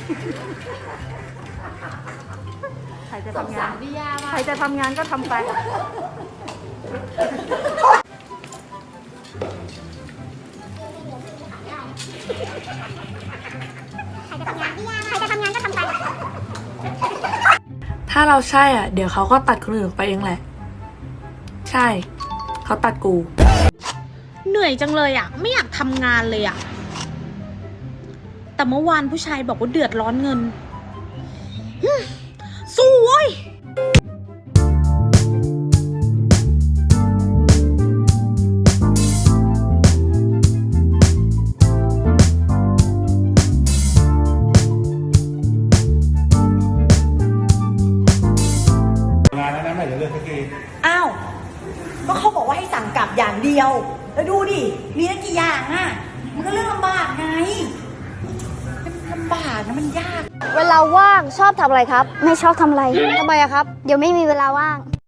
ใครจะทำงานก็ทำไปถ้าเราใช่อ่ะเดี๋ยวเขาก็ตัดคนอื่นไปเองแหละใช่เขาตัดกูเหนื่อยจังเลยอ่ะไม่อยากทำงานเลยอ่ะแต่เมื่อวานผู้ชายบอกว่าเดือดร้อนเงินสู้เว้ยงานนั้นไม่เลือกสักทีอ้าวก็เขาบอกว่าให้สั่งกลับอย่างเดียวแล้วดูดิมีตั้งกี่อย่างอ่ะมันก็เรื่องลำบากไงมันลำบากนะมันยากเวลาว่างชอบทำอะไรครับ ไม่ชอบทำอะไรทำไมอะครับ เดี๋ยวไม่มีเวลาว่าง